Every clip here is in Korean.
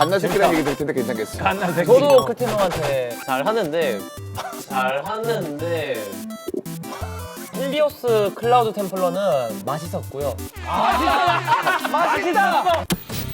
갓나 새끼라는 얘기 들 텐데 괜찮겠어. 갓나 새끼. 저도 그 팀 형한테 잘하는데 힐리오스 클라우드 템플러는 맛있었고요. 맛있다.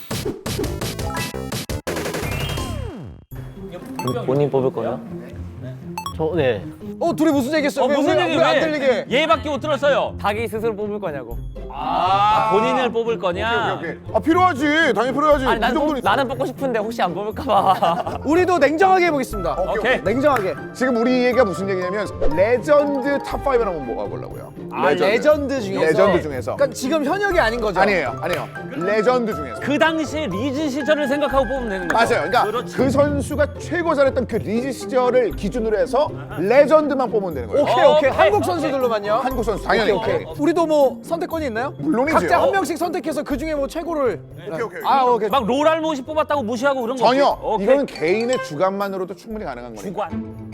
본인 뽑을 거예요? 네. 둘이 무슨 얘기했어요? 무슨 얘기 왜안 들리게? 얘밖에 못 들었어요. 자기 스스로 뽑을 거냐고. 본인을 뽑을 거냐? 오케이. 아 필요하지. 당연히 필요하지. 아니 그 정도는 나는 뽑고 싶은데 혹시 안 뽑을까봐. 우리도 냉정하게 해보겠습니다. 오케이. 냉정하게. 지금 우리 얘기가 무슨 얘기냐면 레전드 탑5를 한번 모아보려고요. 레전드 중에서. 레전드 중에서. 그러니까 지금 현역이 아닌 거죠? 아니에요. 레전드 중에서. 그 당시에 리즈 시절을 생각하고 뽑으면 되는 거죠. 맞아요. 그러니까 그렇지. 그 선수가 최고 잘했던 그 리즈 시절을 기준으로 해서 레전드만 뽑으면 되는 거예요. 오케이. 오케이. 한국 선수들로만요. 한국 선수 당연히. 오케이. 우리도 뭐 선택권이 있나요? 물론이죠. 각자 한 명씩 선택해서 그 중에 뭐 최고를. 오케이. 오케이. 막 롤알못이 뽑았다고 무시하고 그런 거 전혀. 없지? 오케이. 이거는 개인의 주관만으로도 충분히 가능한 거니까. 주관.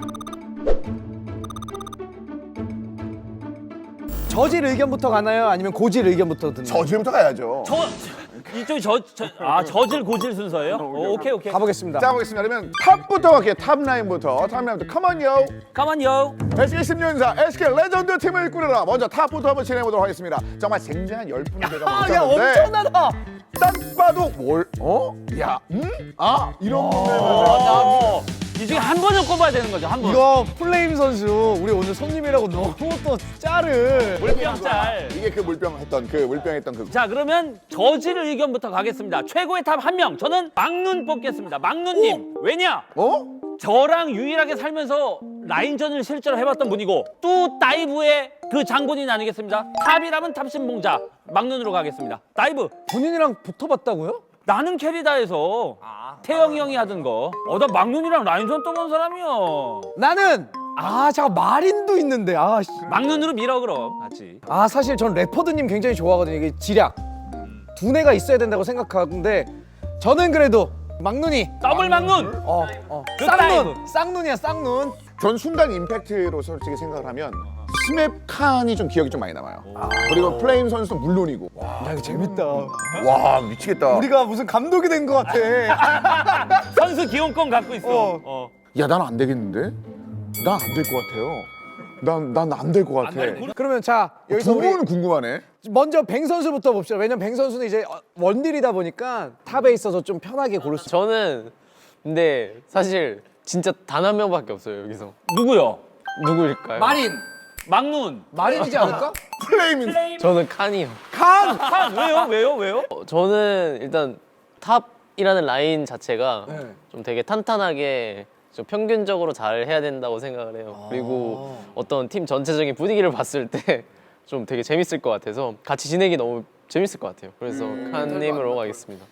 저질 의견부터 가나요? 아니면 고질 의견부터 듣나요? 저주부터 가야죠. 이쪽이 저질 고질 순서예요? 오케이. 가보겠습니다. 자, 보겠습니다. 그러면 탑부터 갈게요. 탑라인부터. 컴온요. 가만요. SK 10년사 SK 레전드 팀을 꾸려라. 먼저 탑부터 한번 진행해보도록 하겠습니다. 정말 쟁쟁한 열풍이 제가 야 멈췄는데 엄청나다. 딱 봐도 야, 이런 분들 이 중에 한 번은 꼽아야 되는 거죠. 한 번. 이거 플레임 선수 우리 오늘 손님이라고 너무 또 짤을. 물병짤. 이게 그 물병했던 그 자, 그러면 저질 의견부터 가겠습니다. 최고의 탑 한 명. 저는 막눈 뽑겠습니다. 막눈님. 왜냐? 저랑 유일하게 살면서 라인전을 실제로 해봤던 분이고 또 다이브의 그 장본인 아니겠습니까? 탑이라면 탑신봉자. 막눈으로 가겠습니다. 다이브. 본인이랑 붙어봤다고요? 나는 캐리다에서 태영이 형이 하던 거. 나 막눈이랑 라인전 떠본 사람이야. 나는 잠깐 마린도 있는데 막눈으로 밀어 그럼 같이. 사실 전 래퍼드님 굉장히 좋아하거든요. 이게 지략 두뇌가 있어야 된다고 생각하는데 저는 그래도 막눈이 더블 막눈. 그 다이브. 쌍눈이야 쌍눈. 전 순간 임팩트로 솔직히 생각을 하면 스맵 칸이 좀 기억이 좀 많이 남아요. 그리고 플레임 선수도 물론이고. 야 이거 재밌다. 와 미치겠다. 우리가 무슨 감독이 된 것 같아. 선수 기용권 갖고 있어. 야, 난 안 되겠는데? 난 안 될 것 같아요. 난 안 될 것 같아. 그러면 자 여기서 두 우리 분은 궁금하네. 먼저 뱅 선수부터 봅시다. 왜냐면 뱅 선수는 이제 원딜이다 보니까 탑에 있어서 좀 편하게 고를 수. 저는 근데 사실 진짜 단 한 명밖에 없어요 여기서. 누구요? 누구일까요? 마린. 막눈. 마린이지 않을까? 플레임인. 저는 칸이요. 왜요? 저는 일단 탑이라는 라인 자체가 네. 좀 되게 탄탄하게 좀 평균적으로 잘 해야 된다고 생각을 해요. 그리고 어떤 팀 전체적인 분위기를 봤을 때 좀 되게 재밌을 것 같아서 같이 지내기 너무 재밌을 것 같아요. 그래서 칸님으로 가겠습니다.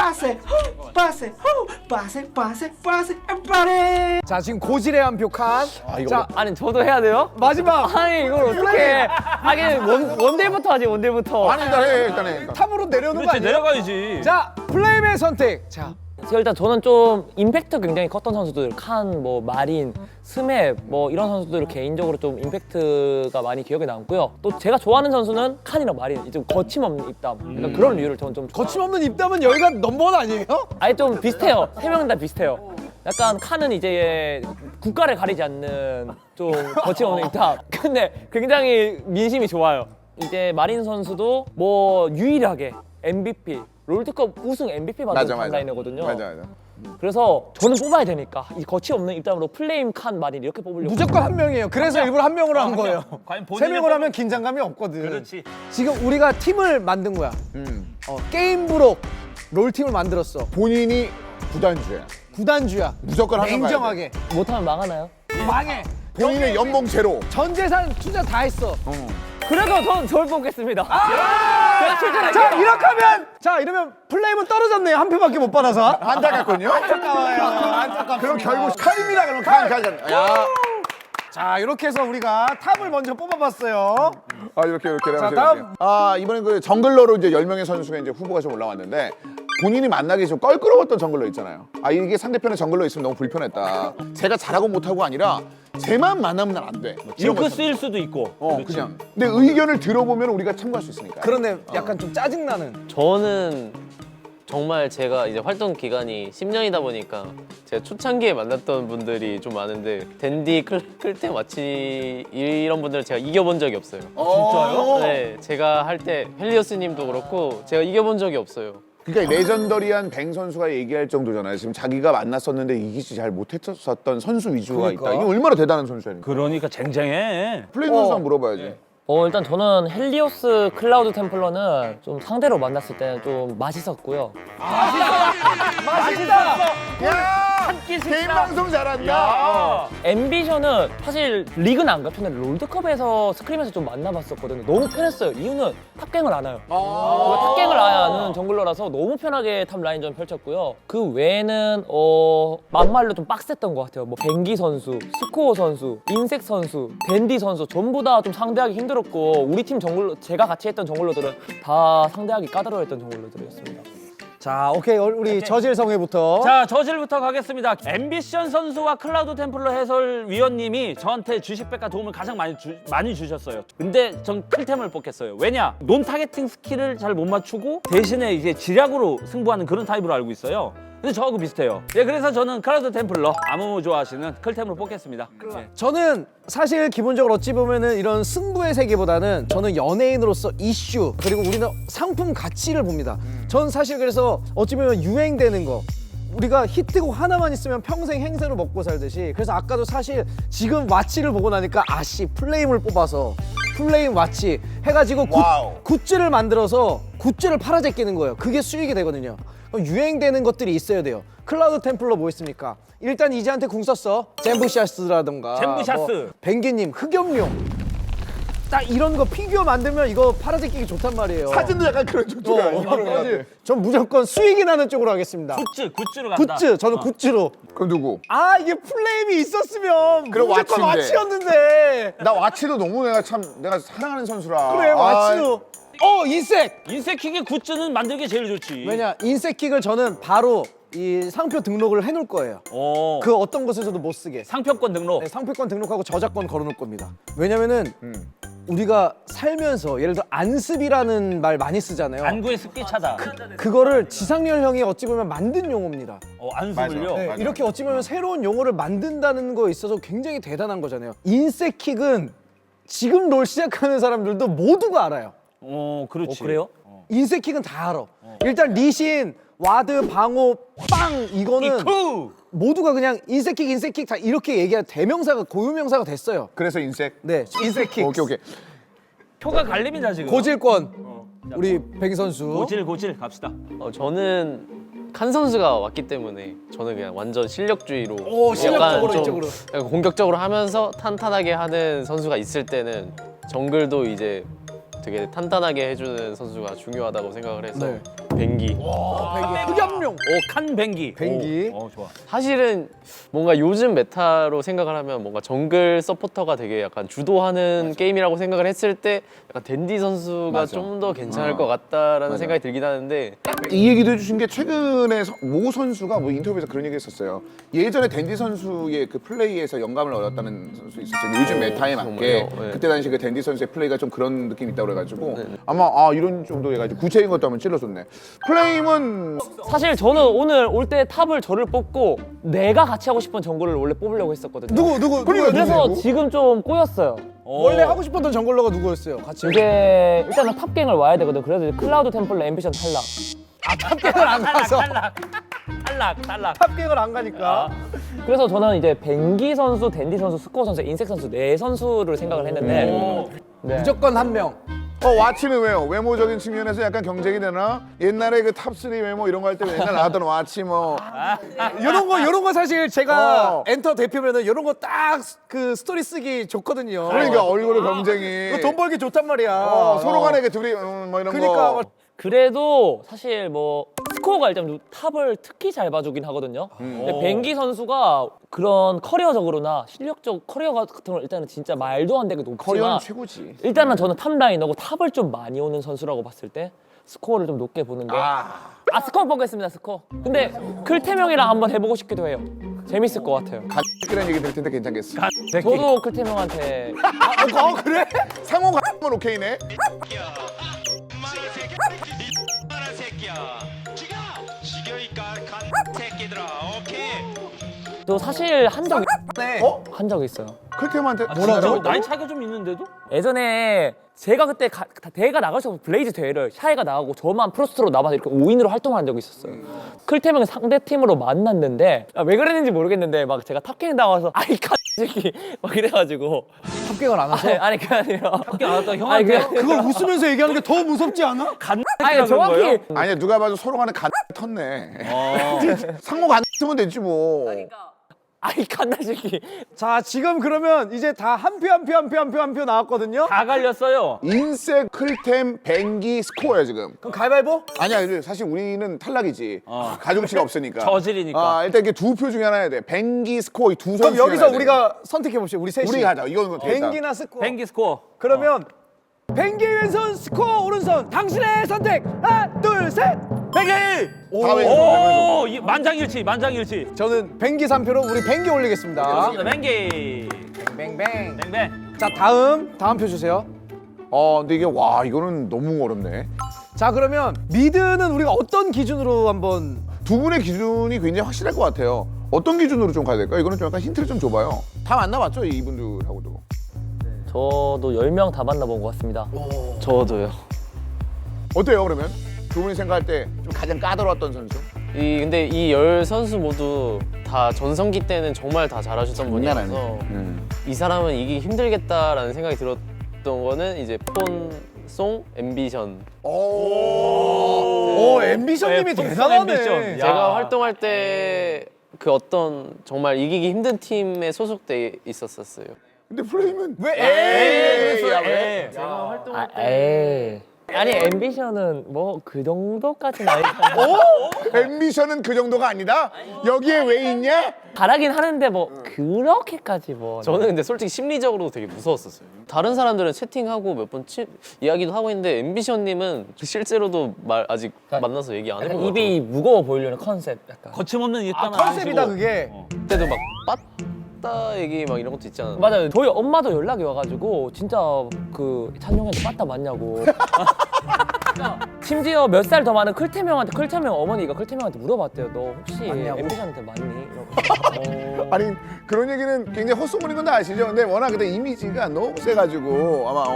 자 지금 고질의 한 표 칸. 이거 자 아니 저도 해야 돼요? 마지막 아니 이걸 어떻게? 하긴 원딜부터 하지 원딜부터. 아니 일단 해. 탑으로 내려오는 거 그렇지 아니에요? 내려가야지. 자 플레임의 선택. 자 일단 저는 좀 임팩트 굉장히 컸던 선수들 칸, 뭐 마린, 스맵 뭐 이런 선수들을 개인적으로 좀 임팩트가 많이 기억에 남고요. 또 제가 좋아하는 선수는 칸이랑 마린, 좀 거침없는 입담. 그러니까 그런 류를 저는 좀 거침없는 입담은 여기가 넘버원 아니에요? 아예 좀 비슷해요. 세 명 다 비슷해요. 약간 칸은 이제 국가를 가리지 않는 좀 거침없는 입담. 근데 굉장히 민심이 좋아요. 이제 마린 선수도 뭐 유일하게 MVP 롤드컵 우승 MVP 받은 탑라이너거든요. 맞아. 그래서 저는 뽑아야 되니까 이 거침없는 입담으로 플레임 칸 마린 이렇게 뽑으려고. 무조건 한 명이에요. 그래서 일부러 한 명으로 한 거예요. 과연 세 명으로 하면 긴장감이 없거든. 그렇지. 지금 우리가 팀을 만든 거야. 게임부록 롤팀을 만들었어. 본인이 구단주야. 구단주야. 무조건 항상 냉정하게. 못하면 망하나요? 망해. 본인의 연봉 제로. 전 재산 투자 다 했어. 그래도 전 저를 뽑겠습니다. 제가 출전할게요. 자 이렇게 하면 이러면 플레임은 떨어졌네요. 한 표밖에 못 받아서. 안타깝군요. 안타까워요. 안타깝습니다. 그럼 결국 칼입니다. 그럼 칼. 야. 자 이렇게 해서 우리가 탑을 먼저 뽑아봤어요. 이렇게. 자, 다음. 이번엔 그 정글러로 이제 10명의 선수가 이제 후보가 좀 올라왔는데 본인이 만나기 좀 껄끄러웠던 정글러 있잖아요. 이게 상대편에 정글러 있으면 너무 불편했다. 제가 잘하고 못하고 아니라 쟤만 만나면 난 안 돼. 이런 거 징크스일 수도 있고. 그냥. 근데 의견을 들어보면 우리가 참고할 수 있으니까. 그런데 약간 좀 짜증나는. 저는 정말 제가 이제 활동 기간이 10년이다 보니까 제가 초창기에 만났던 분들이 좀 많은데 댄디, 클템, 와치 이런 분들을 제가 이겨본 적이 없어요. 진짜요? 네, 제가 할 때 헬리오스님도 그렇고 제가 이겨본 적이 없어요. 그러니까 레전더리한 뱅 선수가 얘기할 정도잖아요. 지금 자기가 만났었는데 이기지 잘 못했었던 선수 위주가 그러니까. 있다. 이게 얼마나 대단한 선수야. 그러니까 쟁쟁해. 플레이 선수 한번 물어봐야지. 일단 저는 헬리오스 클라우드 템플러는 좀 상대로 만났을 때는 좀 맛있었고요. 한끼 개인 식사. 방송 잘한다. 야. 앰비션은 사실 리그는 안 가편데 롤드컵에서 스크림에서 좀 만나봤었거든요. 너무 편했어요. 이유는 탑갱을 안 해요. 탑갱을 아예 안 하는 정글러라서 너무 편하게 탑 라인전 펼쳤고요. 그 외에는 막말로 좀 빡셌던 것 같아요. 뭐 뱅기 선수, 스코어 선수, 인색 선수, 댄디 선수 전부 다 좀 상대하기 힘들었고 우리 팀 정글러 제가 같이 했던 정글러들은 다 상대하기 까다로웠던 정글러들이었습니다. 자, 오케이. 우리 저질 성회부터. 자, 저질부터 가겠습니다. 앰비션 선수와 클라우드 템플러 해설위원님이 저한테 주식백과 도움을 가장 많이 주셨어요. 근데 전 클템을 뽑겠어요. 왜냐? 논 타겟팅 스킬을 잘 못 맞추고 대신에 이제 지략으로 승부하는 그런 타입으로 알고 있어요. 근데 저하고 비슷해요. 예, 그래서 저는 클라우드 템플러 아무 좋아하시는 클템으로 뽑겠습니다. 예. 저는 사실 기본적으로 어찌 보면은 이런 승부의 세계보다는 저는 연예인으로서 이슈 그리고 우리는 상품 가치를 봅니다. 전 사실 그래서 어찌 보면 유행되는 거 우리가 히트곡 하나만 있으면 평생 행세로 먹고 살듯이 그래서 아까도 사실 지금 와치를 보고 나니까 아씨 플레임을 뽑아서 플레임 와치 해가지고 와우. 굿즈를 만들어서 굿즈를 팔아제끼는 거예요. 그게 수익이 되거든요. 그럼 유행되는 것들이 있어야 돼요. 클라우드 템플러 뭐 있습니까? 일단 이제한테 궁 썼어. 잼부샤스라던가 잼부샤스. 뱅기님 흑염룡 딱 이런 거 피규어 만들면 이거 팔아제끼기 좋단 말이에요. 사진도 약간 그런 쪽이야. 전 무조건 수익이 나는 쪽으로 하겠습니다. 굿즈로 간다. 굿즈, 저는 굿즈로. 그럼 누구? 아 이게 플레임이 있었으면 그럼 무조건 와치인데. 와치였는데. 나 와치도 너무 내가 사랑하는 선수라. 그래 와치도. 인색. 인색킥의 굿즈는 만들기 게 제일 좋지. 왜냐 인색킥을 저는 바로 이 상표 등록을 해놓을 거예요. 그 어떤 곳에서도 못 쓰게. 상표권 등록. 네, 상표권 등록하고 저작권 걸어놓을 겁니다. 왜냐면은 우리가 살면서 예를 들어 안습이라는 말 많이 쓰잖아요. 안구의 습기차다. 그거를 지상렬 형이 어찌 보면 만든 용어입니다. 안수물요. 네, 맞아. 이렇게 어찌 보면 새로운 용어를 만든다는 거에 있어서 굉장히 대단한 거잖아요. 인색킥은 지금 롤 시작하는 사람들도 모두가 알아요. 그렇지. 그래요? 인색킥은 다 알아. 일단 리신, 와드, 방호, 빵 이거는 이쿠. 모두가 그냥 인색킥 다 이렇게 얘기하는 대명사가 고유명사가 됐어요. 그래서 인색. 네, 인색킥. 오케이. 표가 갈립니다 지금. 고질권. 우리 백 선수. 고질 갑시다. 저는 칸 선수가 왔기 때문에 저는 그냥 완전 실력주의로 실력적으로 좀 이쪽으로. 약간 공격적으로 하면서 탄탄하게 하는 선수가 있을 때는 정글도 이제 되게 탄탄하게 해주는 선수가 중요하다고 생각을 해서 네. 뱅기. 흑염룡. 칸뱅기. 뱅기. 좋아. 사실은 뭔가 요즘 메타로 생각을 하면 뭔가 정글 서포터가 되게 약간 주도하는 게임이라고 생각을 했을 때 약간 댄디 선수가 맞아. 좀 더 괜찮을 것 같다라는 생각이 들긴 하는데 이 얘기도 해주신 게 최근에 모 선수가 뭐 인터뷰에서 그런 얘기 했었어요. 예전에 댄디 선수의 그 플레이에서 영감을 얻었다는 선수 있었어요. 요즘 메타에 맞게 정말요? 네. 그때 당시 그 댄디 선수의 플레이가 좀 그런 느낌이 있다고 그래가지고 아마 이런 정도 해가지고 구체적인 것도 한번 찔러줬네. 플레임은 사실 저는 오늘 올 때 탑을 저를 뽑고 내가 같이 하고 싶은 정글을 원래 뽑으려고 했었거든요. 누구? 그래서 지금 좀 꼬였어요. 원래 하고 싶었던 정글러가 누구였어요? 같이. 이게 일단은 탑갱을 와야 되거든. 그래서 이제 클라우드 템플러 앰비션 탈락. 탑갱을 안 가서. 탈락. 탑갱을 안 가니까. 그래서 저는 이제 뱅기 선수, 댄디 선수, 스코어 선수, 인색 선수 네 선수를 생각을 했는데 네. 무조건 한 명. 와치는 왜요? 외모적인 측면에서 약간 경쟁이 되나? 옛날에 그 탑3 외모 이런 거 할 때 옛날 나왔던 와치 뭐 요런 거 사실 제가 어. 엔터 대표면은 요런 거 딱 그 스토리 쓰기 좋거든요. 그러니까 얼굴의 경쟁이 이거 돈 벌기 좋단 말이야. 서로 간에 그 둘이 뭐 이런 그러니까 거 그래도 사실 뭐 스코어가 일단 탑을 특히 잘 봐주긴 하거든요. 근데 뱅기 선수가 그런 커리어적으로나 실력적 커리어 같은 걸 일단은 진짜 말도 안 되게 커리어는 높지만 최고지. 일단은 저는 탑라이너고 탑을 좀 많이 오는 선수라고 봤을 때 스코어를 좀 높게 보는 게 스코어 보겠습니다. 스코어. 근데 클템형이랑 한번 해보고 싶기도 해요. 재밌을 것 같아요. 간이라는 얘기 들 텐데 괜찮겠어. 저도 클템형한테 그래? 상호 가면 오케이네. 저 사실 한 적이 네. 한 적이 있어요. 클템한테 뭐라고? 나이 차이가 좀 있는데도? 예전에 제가 그때 대회가 나갈 수 없고 블레이즈 대회를 샤이가 나가고 저만 프로스트로 남아서 이렇게 5인으로 활동한 적이 있었어요. 클템을 상대 팀으로 만났는데 왜 그랬는지 모르겠는데 막 제가 탑갱 나와서 아이 새끼 막 이래가지고 합격을 안 하셔? 아니 그게 아니라 학교 안 왔던 형한테 그걸 웃으면서 얘기하는 게 더 무섭지 않아? 아니 정확히 아니야 누가 봐도 서로 간에 간 텄네. 상호 간 쓰면 되지 뭐. 아이 갓나 새끼. 자 지금 그러면 이제 다 한 표 나왔거든요. 다 갈렸어요. 인색 클템 뱅기 스코어야 지금. 그럼 가위바위보? 아니야 사실 우리는 탈락이지. 가중치가 없으니까. 저질이니까. 일단 이게 두 표 중에 하나 해야 돼. 뱅기 스코어 이 두 선수. 그럼 여기서 우리가 선택해 봅시다. 우리 셋이. 우리가 하자. 이거는 되겠다. 뱅기나 스코어. 뱅기 스코어. 그러면 뱅기 왼손 스코어 오른손 당신의 선택 하나 둘 셋. 뱅기! 다 왼손. 오, 만장일치, 만장일치. 저는 뱅기 3표로 우리 뱅기 올리겠습니다. 좋습니다. 뱅기. 뱅뱅. 뱅뱅. 자 다음 표 주세요. 근데 이게 와 이거는 너무 어렵네. 자 그러면 미드는 우리가 어떤 기준으로 한번 두 분의 기준이 굉장히 확실할 것 같아요. 어떤 기준으로 좀 가야 될까? 이거는 좀 약간 힌트를 좀 줘봐요. 다 만나봤죠 이분들하고도. 저도 10명 다 만나본 것 같습니다. 저도요. 어때요 그러면? 두 분이 생각할 때 좀 가장 까다로웠던 선수? 근데 이 10선수 모두 다 전성기 때는 정말 다 잘하셨던 분이라서 이 사람은 이기기 힘들겠다라는 생각이 들었던 거는 이제 폰, 송, 앰비션. 오 앰비션님이 네, 대단하네. 앰비션. 야. 제가 활동할 때 그 어떤 정말 이기기 힘든 팀에 소속돼 있었어요. 근데 플레이면 왜 에이, 야, 왜? 제가 활동할 에이. 아니 앰비션은 뭐 그 정도까지는 아니잖아요. 앰비션은 그 정도가 아니다? 여기에 왜 있냐? 잘하긴 하는데 뭐 그렇게까지 뭐. 저는 근데 솔직히 심리적으로 되게 무서웠었어요. 다른 사람들은 채팅하고 몇 번 이야기도 하고 있는데 앰비션님은 실제로도 아직 만나서 얘기 안 약간 해본 것 입이 무거워 보이려는 컨셉 약간. 거침없는 입 아 하나 컨셉이다 하시고. 그게. 같아요. 그때도 막 빠따 얘기 막 이런 것도 있잖아요. 맞아요. 저희 엄마도 연락이 와가지고 진짜 그 찬용이한테 빠따 맞냐고. 심지어 몇 살 더 많은 클템 형한테 클템 형 어머니가 클템 형한테 물어봤대요. 너 혹시 맞냐고? 앰비션한테 맞니? 이러고. 아니 그런 얘기는 굉장히 헛소문인 건 다 아시죠? 근데 워낙 그때 이미지가 너무 세가지고 아마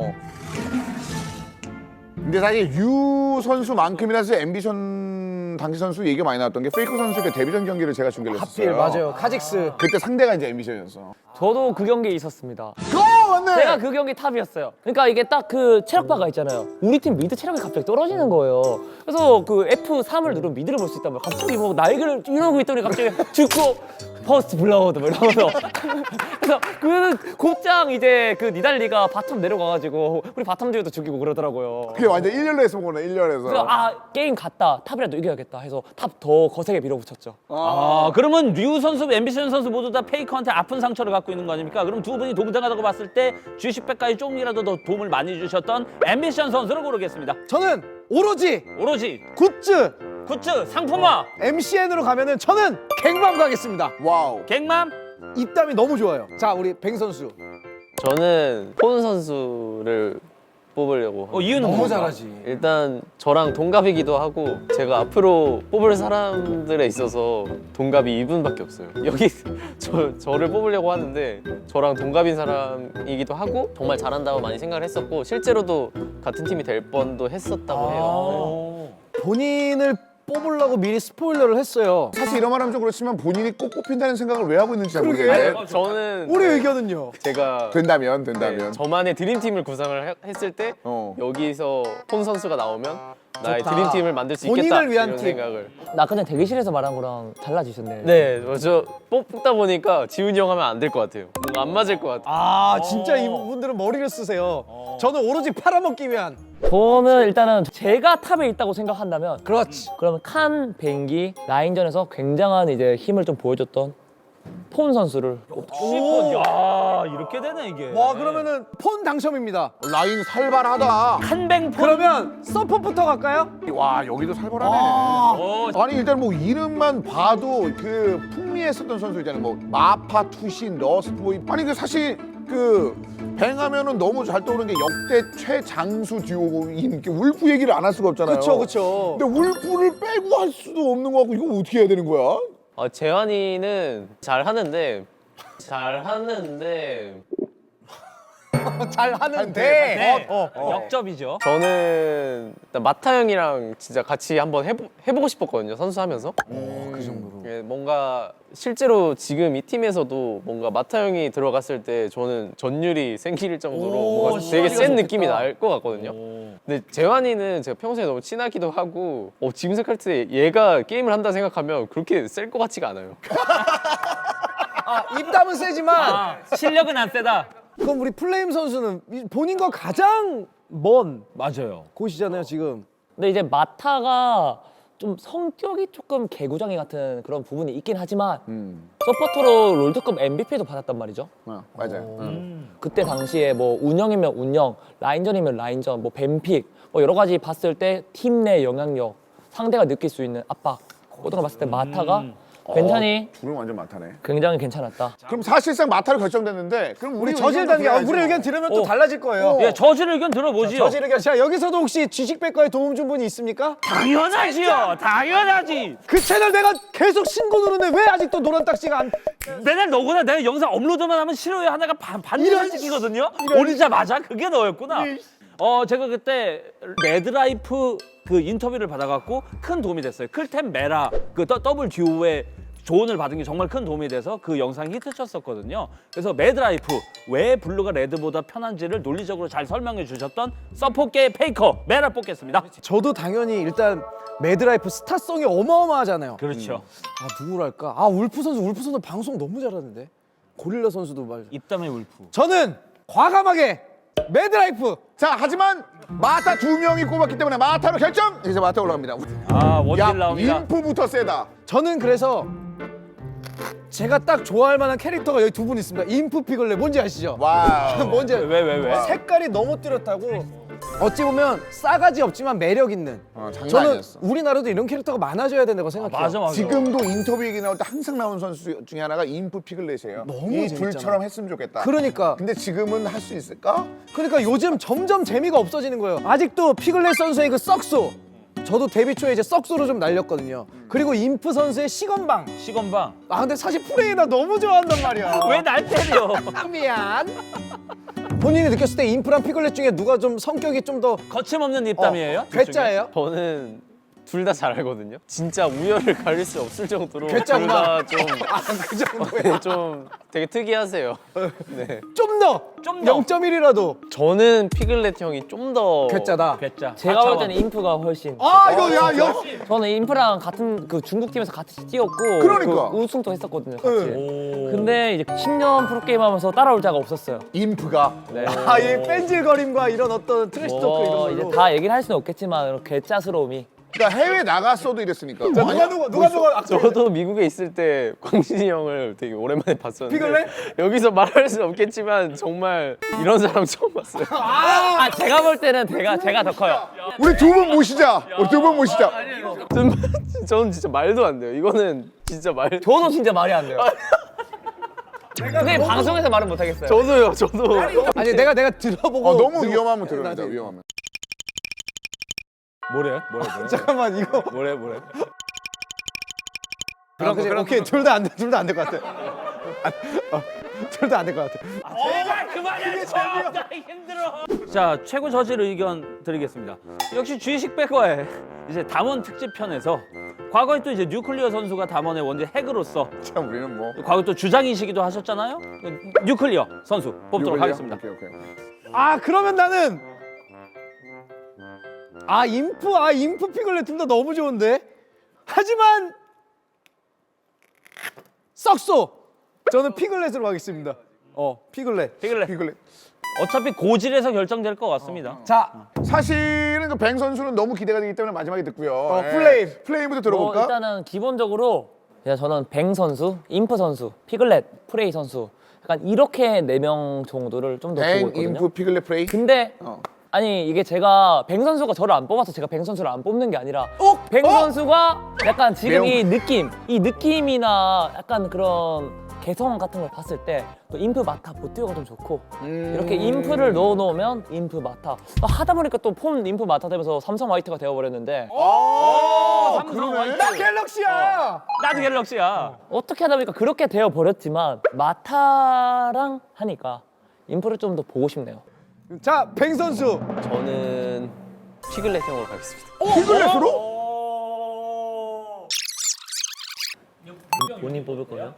근데 사실 유 선수만큼이나 사실 앰비션 당시 선수 얘기가 많이 나왔던 게 페이커 선수의 데뷔전 경기를 제가 중계를 하필 했었어요. 맞아요. 카직스. 그때 상대가 이제 앰비션이었어. 저도 그 경기에 있었습니다. 맞네. 제가 그 경기 탑이었어요. 그러니까 이게 딱 그 체력바가 있잖아요. 우리 팀 미드 체력이 갑자기 떨어지는 거예요. 그래서 그 F3을 누르면 미드를 볼 수 있다면 갑자기 뭐 날개를 이러고 있더니 갑자기 죽고 퍼스트 블라우드 뭐 이러면서 그래서 그 곧장 이제 그 니달리가 바텀 내려가가지고 우리 바텀 듀오도 죽이고 그러더라고요. 그게 완전 1년로 했으면 거네 1년에서. 그래서 게임 갔다 탑이라도 이겨야겠다 해서 탑 더 거세게 밀어붙였죠. 그러면 류 선수, 앰비션 선수 모두 다 페이커한테 아픈 상처를 갖고 있는 거 아닙니까? 그럼 두 분이 동등하다고 봤을 때 G10백까지 조금이라도 더 도움을 많이 주셨던 앰비션 선수를 고르겠습니다. 저는 오로지 오로지 굿즈 굿즈, 상품화, MCN으로 가면은 저는 갱밤 가겠습니다. 와우. 갱맘. 입담이 너무 좋아요. 자 우리 뱅 선수. 저는 폰 선수를 뽑으려고 합니다. 이유는 너무 뭡니까? 잘하지. 일단 저랑 동갑이기도 하고 제가 앞으로 뽑을 사람들에 있어서 동갑이 이분밖에 없어요. 여기 저를 뽑으려고 하는데 저랑 동갑인 사람이기도 하고 정말 잘한다고 많이 생각을 했었고 실제로도 같은 팀이 될 뻔도 했었다고 해요. 본인을 뽑으려고 미리 스포일러를 했어요. 사실 이런 말하면 좀 그렇지만 본인이 꼭 뽑힌다는 생각을 왜 하고 있는지 잘 그러게. 모르겠는데. 저는 우리 의견은요? 제가 된다면. 네, 저만의 드림팀을 구상을 했을 때 여기서 폰 선수가 나오면 나의 좋다. 드림팀을 만들 수 본인을 있겠다 위한 이런 팀. 생각을. 나 그냥 대기실에서 말한 거랑 달라지셨네. 네, 저 뽑다 보니까 지훈이 형 하면 안 될 것 같아요. 뭔가 안 맞을 것 같아요. 아 진짜 이분들은 머리를 쓰세요. 저는 오로지 팔아먹기 위한. 저는 일단은 제가 탑에 있다고 생각한다면 그렇지. 그러면 칸, 뱅기, 라인전에서 굉장한 이제 힘을 좀 보여줬던 폰 선수를 야, 이렇게 되네 이게. 와 그러면은 폰 당첨입니다. 라인 살벌하다. 한뱅 폰. 그러면 서폿부터 갈까요? 와 여기도 살벌하네. 아니 일단 뭐 이름만 봐도 그 풍미했었던 선수 있잖아요. 뭐 마파, 투신, 러스트보이. 아니 그 사실 그 뱅하면은 너무 잘 떠오르는 게 역대 최장수 듀오인 게 울프 얘기를 안 할 수가 없잖아요. 그렇죠. 근데 울프를 빼고 할 수도 없는 거 같고 이거 어떻게 해야 되는 거야? 재환이는 잘 하는데 잘 하는데. 네. 역접이죠. 저는 일단 마타 형이랑 진짜 같이 한번 해보고 싶었거든요. 선수하면서. 그 정도로. 예, 뭔가 실제로 지금 이 팀에서도 뭔가 마타 형이 들어갔을 때 저는 전율이 생길 정도로 뭔가 되게 센 느낌이 날 것 같거든요. 근데 재환이는 제가 평소에 너무 친하기도 하고 지금 생각할 때 얘가 게임을 한다 생각하면 그렇게 셀 것 같지가 않아요. 입담은 세지만 실력은 안 세다. 그럼 우리 플레임 선수는 본인과 가장 먼 맞아요. 곳이잖아요 지금. 근데 이제 마타가 좀 성격이 조금 개구장이 같은 그런 부분이 있긴 하지만 서포터로 롤드컵 MVP도 받았단 말이죠. 맞아요. 그때 당시에 뭐 운영이면 운영, 라인전이면 라인전, 뭐 뱀픽 뭐 여러 가지 봤을 때 팀 내 영향력, 상대가 느낄 수 있는 압박 그런 거 봤을 때 마타가 굉장히 둘은 완전 마타네. 굉장히 괜찮았다. 그럼 사실상 마타로 결정됐는데 그럼 우리 저질 단계 우리 의견 들으면 또 달라질 거예요. 예, 저질 의견 들어보지요. 저질 의견. 자 여기서도 혹시 지식백과에 도움 준 분이 있습니까? 당연하지요. 당연하지. 그 채널 내가 계속 신고 누르는데 왜 아직도 노란 딱지가 안? 맨날 너구나 내가 영상 업로드만 하면 싫어요 하나가 반드시 찍히거든요. 올리자마자 그게 너였구나. 제가 그때 매드라이프 그 인터뷰를 받아갖고 큰 도움이 됐어요. 클템 메라 그 더블 듀오의 조언을 받은 게 정말 큰 도움이 돼서 그 영상이 히트쳤었거든요. 그래서 매드라이프 왜 블루가 레드보다 편한지를 논리적으로 잘 설명해 주셨던 서포게의 페이커 메라 뽑겠습니다. 저도 당연히 일단 매드라이프 스타성이 어마어마하잖아요. 그렇죠. 누구랄까? 울프 선수 방송 너무 잘하는데. 고릴라 선수도 말. 입담의 울프. 저는 과감하게 매드라이프. 자, 하지만 마타 2명이 꼽았기 때문에 마타로 결정. 이제 마타 올라갑니다. 원딜 나옵니다. 인프부터 세다. 저는 그래서 제가 딱 좋아할 만한 캐릭터가 여기 두 분 있습니다. 인프 피글렛 뭔지 아시죠? 와우. 뭔지 왜? 색깔이 너무 뚜렷하고 어찌 보면 싸가지 없지만 매력 있는. 장난 저는 아니었어. 우리나라도 이런 캐릭터가 많아져야 된다고 생각해요. 맞아. 지금도 인터뷰 얘기 나올 때 항상 나오는 선수 중에 하나가 인프 피글렛이에요. 너무 이 재밌잖아. 둘처럼 했으면 좋겠다. 그러니까 근데 지금은 할 수 있을까? 그러니까 요즘 점점 재미가 없어지는 거예요. 아직도 피글렛 선수의 그 썩소. 저도 데뷔 초에 이제 썩소로 좀 날렸거든요. 그리고 인프 선수의 시건방. 시건방. 근데 사실 프레이나 너무 좋아한단 말이야. 왜 날 때려? 미안. 본인이 느꼈을 때 인프랑 피글렛 중에 누가 좀 성격이 좀 더 거침없는 입담이에요? 괴짜예요? 저는 둘 다 잘 알거든요. 진짜 우열을 가릴 수 없을 정도로 괴짜구나. 둘 다 그 정도야. 좀 되게 특이하세요. 네. 좀 더. 0.1이라도 저는 피글렛 형이 좀 더 괴짜다. 괴짜. 제가 볼 때는 인프가 훨씬. 이거 야. 저는 인프랑 같은 그 중국 팀에서 같이 뛰었고 그러니까. 그 우승도 했었거든요. 같이. 근데 이제 10년 프로게임 하면서 따라올 자가 없었어요. 인프가. 네. 이 뺀질거림과 이런 어떤 트래시 토크 이런 뭐 걸로. 이제 다 얘기를 할 수는 없겠지만 괴짜스러움이. 그러니까 해외 나갔어도 이랬으니까. 누가 저도 미국에 있을 때 광진이 형을 되게 오랜만에 봤었는데 피글렛? 여기서 말할 수 없겠지만 정말 이런 사람 처음 봤어요. 제가 볼 때는 제가 더 커요. 우리 두 분 모시자. 저는 진짜 말도 안 돼요. 이거는 진짜 저도 진짜 말이 안 돼요. 근데 방송에서 말은 못 하겠어요. 저도 아니 내가 들어보고 너무 위험하면 들어옵니다. 위험하면. 뭐래? 잠깐만 이거 뭐래? 그럼 오케이 둘 다 안 될 것 같아. 둘 다 안 될 것 같아. 제발 그만해. 나 힘들어. 자, 최고 저질 의견 드리겠습니다. 역시 주의식 백과의 이제 담원 특집 편에서 과거에 또 이제 뉴클리어 선수가 담원의 원제 핵으로서 참 우리는 뭐. 과거 또 주장이시기도 하셨잖아요. 뉴클리어 선수 뽑도록 하겠습니다. 오케이. 그러면 나는 인프 피글렛 둘 다 너무 좋은데. 하지만 썩소. 저는 피글렛으로 가겠습니다. 피글렛. 피글렛. 어차피 고질에서 결정될 것 같습니다. 자, 사실은 그 뱅 선수는 너무 기대가 되기 때문에 마지막에 듣고요. 플레임부터 들어볼까? 일단은 기본적으로 저는 뱅 선수, 인프 선수, 피글렛, 프레이 선수 약간 이렇게 4명 정도를 좀 더 보고 뱅, 있거든요. 인프, 피글렛, 프레이. 근데 아니 이게 제가 뱅 선수가 저를 안 뽑아서 제가 뱅 선수를 안 뽑는 게 아니라 뱅 선수가 약간 지금 이 느낌이나 약간 그런 개성 같은 걸 봤을 때 또 인프 마타 보트가 좀 좋고 이렇게 인프를 넣어 놓으면 인프 마타 하다 보니까 또 폰 인프 마타 되면서 삼성 화이트가 되어버렸는데 삼성 그러네. 화이트. 나 갤럭시야. 나도 갤럭시야. 어떻게 하다 보니까 그렇게 되어버렸지만 마타랑 하니까 인프를 좀 더 보고 싶네요. 자, 뱅 선수. 저는 피글렛형으로 가겠습니다. 피글렛으로? 본인 뽑을 거면?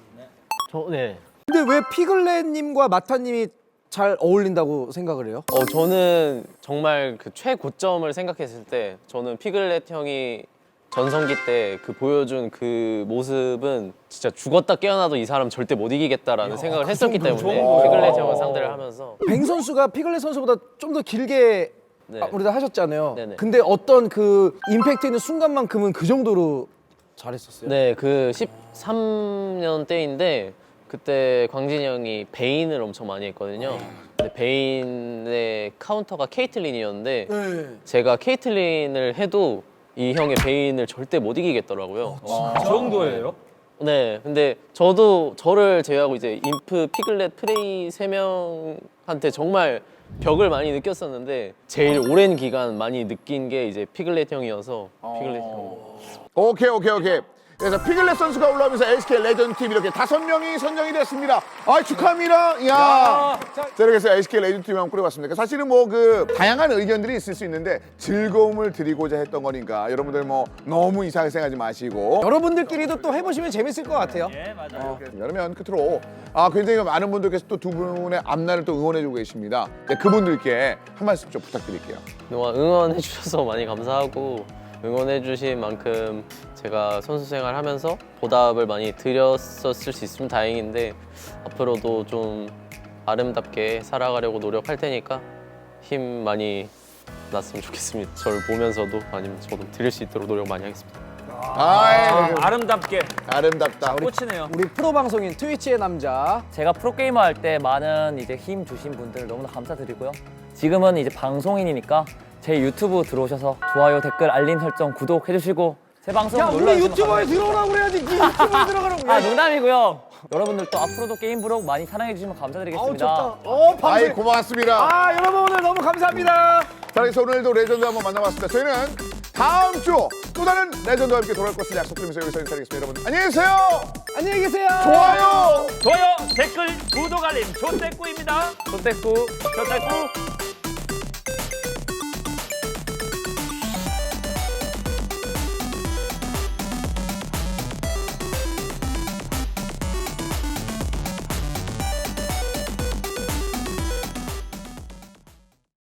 근데 왜 피글렛님과 마타님이 잘 어울린다고 생각을 해요? 저는 정말 그 최고점을 생각했을 때 저는 피글렛 형이 전성기 때 그 보여준 그 모습은 진짜 죽었다 깨어나도 이 사람 절대 못 이기겠다라는 생각을 했었기 때문에 피글렛 형을 상대를 하면서 뱅 선수가 피글렛 선수보다 좀 더 길게 네. 우리가 하셨잖아요. 네네. 근데 어떤 그 임팩트 있는 순간만큼은 그 정도로 잘했었어요. 네, 그 13년 때인데 그때 광진이 형이 베인을 엄청 많이 했거든요. 근데 베인의 카운터가 케이틀린이었는데 네. 제가 케이틀린을 해도 이 형의 베인을 절대 못 이기겠더라고요. 그 정도예요? 네, 근데 저도 저를 제외하고 이제 인프, 피글렛, 프레이 3명한테 정말 벽을 많이 느꼈었는데 제일 오랜 기간 많이 느낀 게 이제 피글렛 형이어서 피글렛 형. 오케이. 그래서 피글렛 선수가 올라오면서 LCK 레전드 팀 이렇게 5명이 선정이 됐습니다. 아, 축하합니다. 이야. 자, 이렇게 해서 LCK 레전드 팀을 한번 꾸려봤습니다. 사실은 뭐 그 다양한 의견들이 있을 수 있는데 즐거움을 드리고자 했던 거니까 여러분들 뭐 너무 이상하게 생각하지 마시고 여러분들끼리도 또 해보시면 재밌을 것 같아요. 예, 맞아요. 그러면 끝으로 굉장히 많은 분들께서 또 두 분의 앞날을 또 응원해주고 계십니다. 네, 그분들께 한 말씀 좀 부탁드릴게요. 그동안 응원해 주셔서 많이 감사하고 응원해 주신 만큼 제가 선수 생활하면서 보답을 많이 드렸었을 수 있으면 다행인데 앞으로도 좀 아름답게 살아가려고 노력할 테니까 힘 많이 났으면 좋겠습니다. 저를 보면서도 아니면 저도 드릴 수 있도록 노력 많이 하겠습니다. 아름답게 아름답다. 꽂히네요. 우리 프로 방송인 트위치의 남자. 제가 프로게이머 할 때 많은 이제 힘 주신 분들 너무나 감사드리고요. 지금은 이제 방송인이니까 제 유튜브 들어오셔서 좋아요, 댓글, 알림 설정, 구독 해주시고 제 방송 야, 놀러 우리 주시면 유튜버에 감사하겠습니다. 들어오라고 그래야지. 네 유튜버에 들어가라고. 아, 농담이고요. 여러분들 또 앞으로도 게임 브록 많이 사랑해 주시면 아우, 감사드리겠습니다. 좋다. 아이, 방송. 고맙습니다. 아, 여러분 오늘 너무 감사합니다. 자, 그래서 오늘도 레전드 한번 만나봤습니다. 저희는 다음 주 또 다른 레전드와 함께 돌아올 것을 약속드리면서 여기서 인사드리겠습니다. 여러분 안녕히 계세요. 안녕히 계세요. 좋아요. 좋아요, 댓글, 구독, 알림, 조떼꾸입니다. 조떼꾸. 조떼꾸.